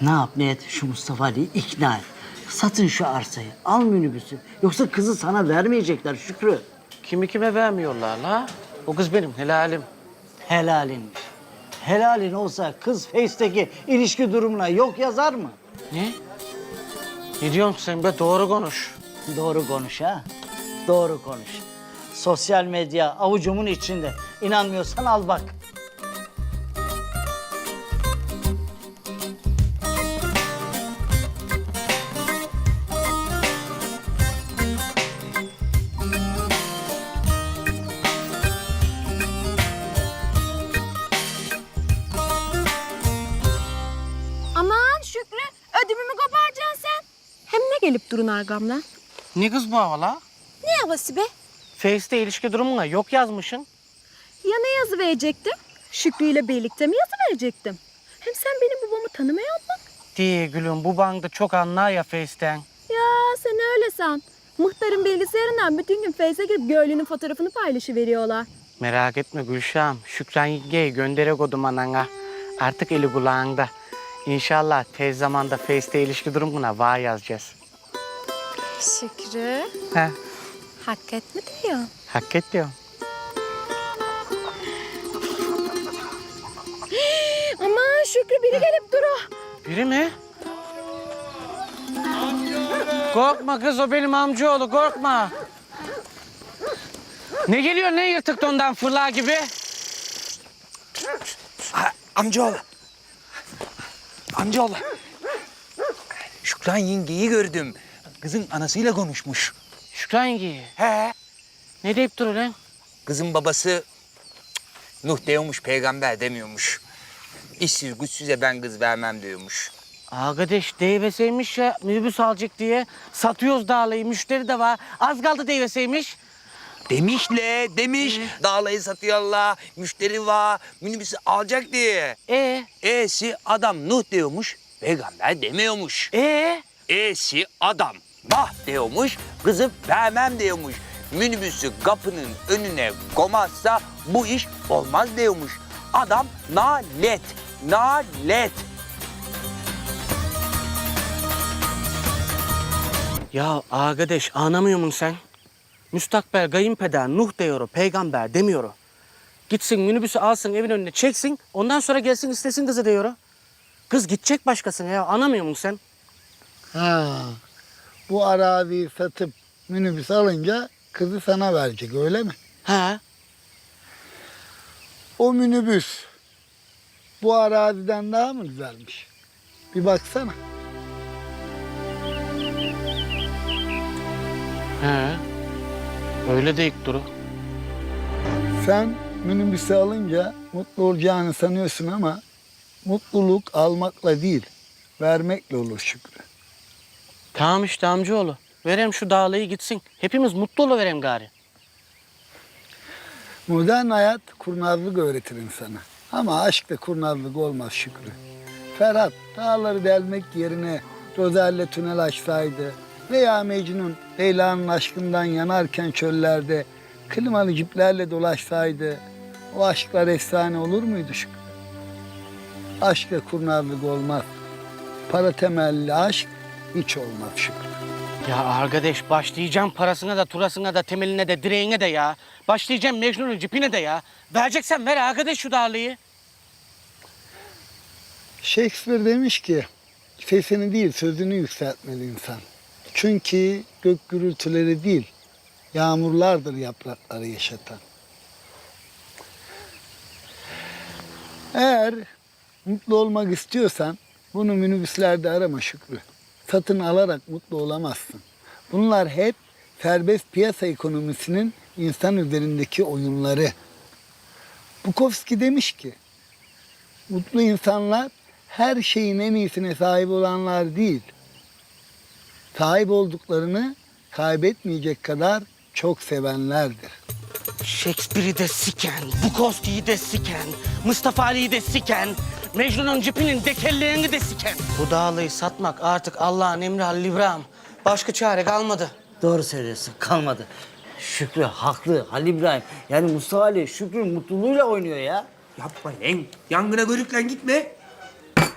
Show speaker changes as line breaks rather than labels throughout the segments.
Ne yap ne et şu Mustafa Ali'yi ikna et. Satın şu arsayı, al minibüsü. Yoksa kızı sana vermeyecekler Şükrü.
Kimi kime vermiyorlar la? O kız benim helalim.
Helalinmiş. Helalin olsa kız Face'teki ilişki durumuna yok yazar mı?
Ne? Ne diyorsun sen be? Doğru konuş.
Doğru konuş ha. Doğru konuş. Sosyal medya avucumun içinde. İnanmıyorsan al bak.
Aman Şükrü, ödümümü koparacaksın sen. Hem ne gelip durun argamdan?
Ne kız bu hava la?
Ne havası be?
Face'te ilişki durumuna yok yazmışsın.
Ya ne yazı verecektim? Şükrü ile birlikte mi yazı verecektim? Hem sen benim babamı tanımıyor musun?
Diye gülüm bu bankta çok anlar ya Face'ten.
Ya sen öyle san. Muhtarın bilgisayarından bütün gün Face'e girip Göğlü'nün fotoğrafını paylaşıveriyorlar.
Merak etme Gülşah'ım. Şükran yengeye gönderek odum anana. Artık eli kulağında. İnşallah tez zamanda Face'te ilişki durumuna var yazacağız.
Şükrü,
He,
hak etme diyor.
hak et diyorum.
Aman Şükrü biri gelip duru.
Biri mi? Korkma kız o benim amcaoğlu korkma. Ne geliyor ne yırtık dondan fırla gibi?
Amcaoğlu. Amcaoğlu. Şükran yengeyi gördüm. Kızın anasıyla konuşmuş.
Şükran yengeyi.
He.
Ne deyip duruyor lan?
Kızın babası Nuh diyormuş, peygamber demiyormuş. İşsiz güçsüze ben kız vermem diyormuş.
Arkadaş deyveseymiş ya minibüs alacak diye. Satıyoruz dağlayı müşteri de var. Az kaldı deyveseymiş.
Demiş. Dağlayı satıyorlar, müşteri var, minibüsü alacak diye. E'si adam Nuh diyormuş, peygamber demiyormuş. E'si adam bah diyormuş, kızı vermem diyormuş. Minibüsü kapının önüne koymazsa bu iş olmaz diyormuş. Adam nalet.
Ya arkadaş anlamıyor musun sen? Müstakbel kayınpeder Nuh diyor, peygamber demiyor. Gitsin minibüsü alsın evin önüne çeksin, ondan sonra gelsin istesin kızı diyor. Kız gidecek başkasına ya, anlamıyor musun sen?
Ha, bu araziyi satıp minibüs alınca kızı sana verecek öyle mi?
Ha?
O minibüs bu araziden daha mı güzelmiş? Bir baksana.
He. Öyle de ilk duru.
Sen minibüsü alınca mutlu olacağını sanıyorsun ama mutluluk almakla değil, vermekle olur Şükrü.
Tamam işte amcaoğlu. Verem şu dağlayı gitsin. Hepimiz mutlu oluverem gari.
Modern hayat kurnazlık öğretir insana. Ama aşkta kurnazlık olmaz Şükrü. Ferhat dağları delmek yerine Rozel'le tünel açsaydı veya Mecnun Leyla'nın aşkından yanarken çöllerde klimalı ciplerle dolaşsaydı o aşklar efsane olur muydu Şükrü? Aşkta kurnazlık olmaz. Para temelli aşk hiç olmaz Şükrü.
Ya arkadaş başlayacağım parasına da turasına da temeline de direğine de ya. Başlayacağım Mecnun'un cipine de ya. Vereceksen ver arkadaş şu dağlayı.
Shakespeare demiş ki sesini değil sözünü yükseltmeli insan. Çünkü gök gürültüleri değil yağmurlardır yaprakları yaşatan. Eğer mutlu olmak istiyorsan bunu minibüslerde arama Şükrü. Satın alarak mutlu olamazsın. Bunlar hep serbest piyasa ekonomisinin insan üzerindeki oyunları. Bukowski demiş ki, mutlu insanlar her şeyin en iyisine sahip olanlar değil, sahip olduklarını kaybetmeyecek kadar çok sevenlerdir.
Shakespeare'i de siken, Bukowski'yi de siken, Mustafa Ali'yi de siken, Mecnun'un cipinin dekellerini de siken. Bu dağlayı satmak artık Allah'ın emri Halil İbrahim. Başka çare kalmadı.
Doğru söylüyorsun, kalmadı. Şükrü haklı, Halil İbrahim. Yani Mustafa Ali Şükrü'nün mutluluğuyla oynuyor ya.
Yapma lan. Yangına körükle gitme.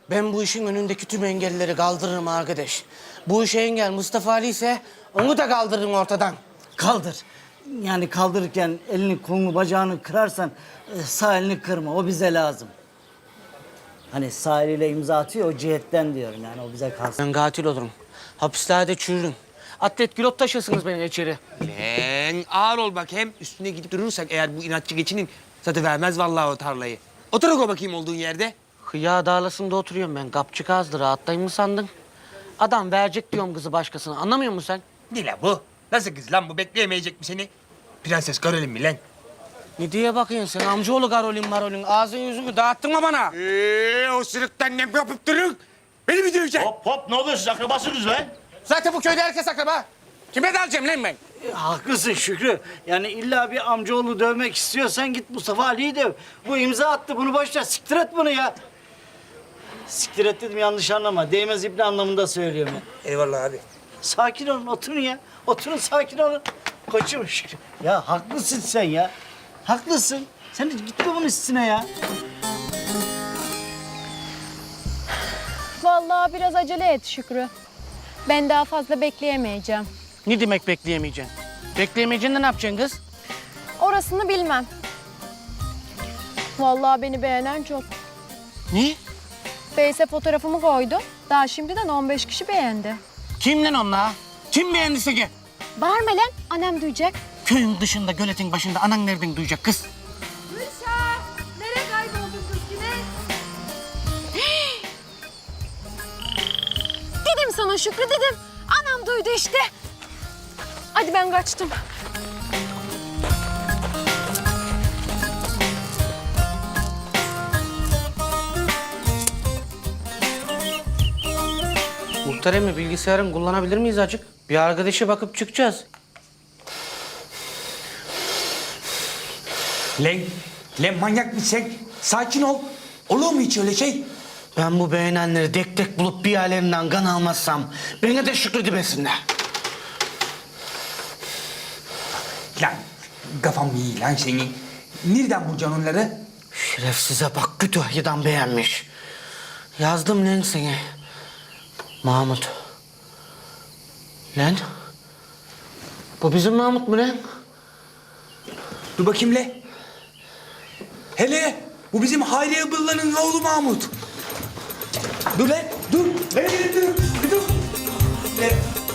Ben bu işin önündeki tüm engelleri kaldırırım arkadaş. Bu işe engel Mustafa Ali ise onu da kaldırırım ortadan.
Kaldır. Yani kaldırırken elini, kolunu, bacağını kırarsan sağ elini kırma. O bize lazım. Hani sağ eliyle imza atıyor o cihetten diyorum yani o bize kalsın.
Ben katil olurum. Hapislerde çürürüm. Atlet kilot taşırsınız beni içeri.
Lan ağır ol bak, hem üstüne gidip durursak eğer bu inatçı geçinin satıvermez vallahi o tarlayı. Otur o bakayım olduğun yerde.
Hıya dağlasında oturuyorum ben. Kapçık ağızlı rahatlayayım mı sandın? Adam verecek diyorum kızı başkasına. Anlamıyor musun sen?
Ne la bu? Nasıl kız lan bu, bekleyemeyecek mi seni? Prenses Karolin mi lan?
Ne diye bakıyorsun sen amcaoğlu Karolin Marolin? Ağzın yüzünü dağıttın mı bana?
O sırıktan ne yapıp durun? Beni mi döveceksin?
Hop hop ne oluyor siz akrabasınız lan?
Zaten bu köyde herkes akraba. Kime dalacağım lan ben?
Haklısın Şükrü. Yani illa bir amcaoğlu dövmek istiyorsan git Mustafa Ali'yi döv. Bu imza attı bunu boş ver. Siktir et bunu ya. Siktir et dedim yanlış anlama. Değmez ibne anlamında söylüyorum ya.
Eyvallah abi.
Sakin olun oturun ya. Oturun sakin olun. Koçum Şükrü. Ya haklısın sen ya. Haklısın. Sen de gitme bunun üstüne ya.
Vallahi biraz acele et Şükrü. Ben daha fazla bekleyemeyeceğim.
Ne demek bekleyemeyeceksin? Bekleyemeyeceksin de ne yapacaksın kız?
Orasını bilmem. Vallahi beni beğenen çok.
Ne?
Face'e fotoğrafımı koydu. Daha şimdiden 15 kişi beğendi.
Kim lan onlar? Kim beğendiyse ki?
Bağırma lan, annem duyacak.
Köyün dışında, göletin başında anan nereden duyacak kız?
Gülşah, nereye kayboldun kız yine? Dedim sana Şükrü dedim. Anam duydu işte. Hadi ben kaçtım.
Muhtar emmi bilgisayarın kullanabilir miyiz acık? Bir arkadaşa bakıp çıkacağız.
Lan manyak mısın sen? Sakin ol. Olur mu hiç öyle şey?
Ben bu beğenenleri tek tek bulup bir yerlerinden kan almazsam beni de Şükrü demesinler.
Lan kafam iyi lan senin. Nereden bulacaksın onları?
Şerefsize bak Kütahya'dan beğenmiş. Yazdım lan seni. Mahmut. Lan. Bu bizim Mahmut mu lan?
Dur bakayım le. Hele bu bizim Hayriye Bılla'nın oğlu Mahmut. Dur lan dur. Hele dur. Dur. Le.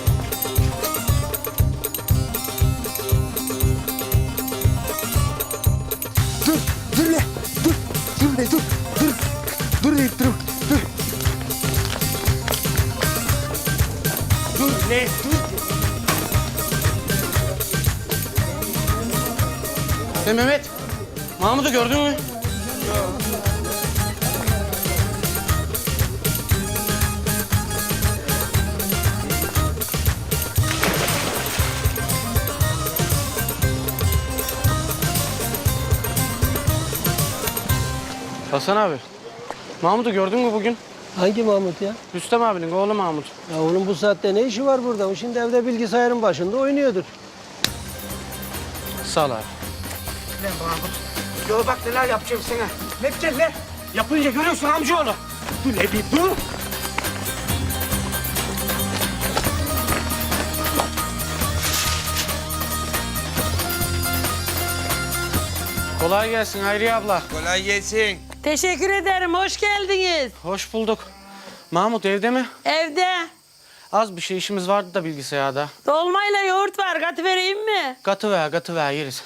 Dur. Dur le. Dur. Dur le dur. Dur. Dur le dur. Dur. Dur le dur.
Mehmet. Mahmut'u gördün mü? Hasan abi. Mahmut'u gördün mü bugün?
Hangi Mahmut ya?
Rüstem abinin oğlu Mahmut.
Ya onun bu saatte ne işi var burada? O şimdi evde bilgisayarın başında oynuyordur.
Sağ ol abi. Lan Mahmut. Yo bak neler yapacağım sana. Ne yapacaksın lan? Yapınca görüyorsun amcaoğlu. Dur ne bir dur. Kolay gelsin Hayriye abla.
Kolay gelsin.
Teşekkür ederim. Hoş geldiniz.
Hoş bulduk. Mahmut evde mi?
Evde.
Az bir şey işimiz vardı da bilgisayarda.
Dolmayla yoğurt var. Katı vereyim mi?
Katı ver yeriz.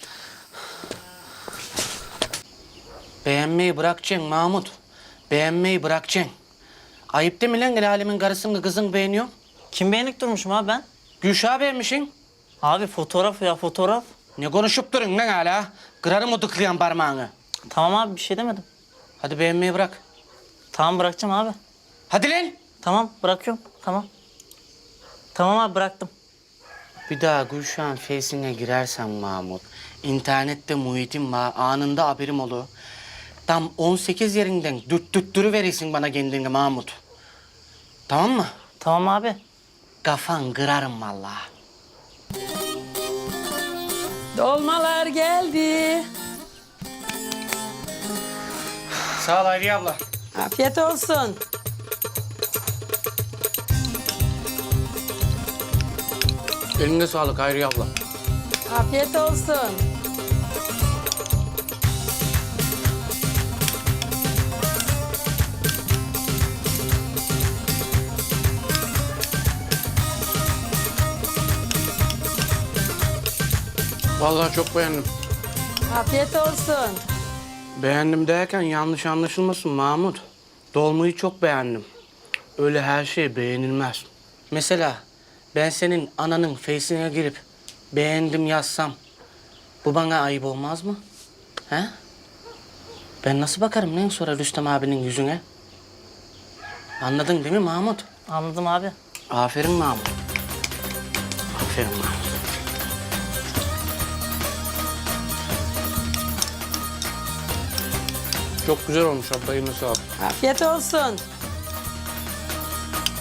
Beğenmeyi bırakacaksın Mahmut. Beğenmeyi bırakacaksın. Ayıp değil mi lan el alemin karısını kızın beğeniyor?
Kim beğenlik durmuşum abi ben?
Gülşah'ı beğenmişsin.
Abi fotoğraf ya fotoğraf.
Ne konuşup durun lan hala? Kırarım o tıklayan parmağını.
Tamam abi bir şey demedim.
Hadi beğenmeyi bırak.
Tamam bırakacağım abi.
Hadi lan.
Tamam bırakıyorum. Tamam. Tamam abi bıraktım.
Bir daha Gülşah'ın Face'ine girersen Mahmut, internette muhitim var, anında haberim olur. Tam 18 yerinden dürttürü verirsin bana kendini Mahmut. Tamam mı?
Tamam abi.
Kafan kırarım vallahi.
Dolmalar geldi.
Sağ ol Hayriye abla.
Afiyet olsun.
Eline sağlık Hayriye abla.
Afiyet olsun.
Vallahi çok beğendim.
Afiyet olsun.
Beğendim derken yanlış anlaşılmasın Mahmut. Dolmayı çok beğendim. Öyle her şey beğenilmez. Mesela ben senin ananın Face'ine girip beğendim yazsam bu bana ayıp olmaz mı? He? Ben nasıl bakarım lan sonra Rüstem abinin yüzüne? Anladın değil mi Mahmut?
Anladım abi.
Aferin Mahmut. Aferin Mahmut. Çok güzel olmuş abla, eline sağlık.
Afiyet olsun.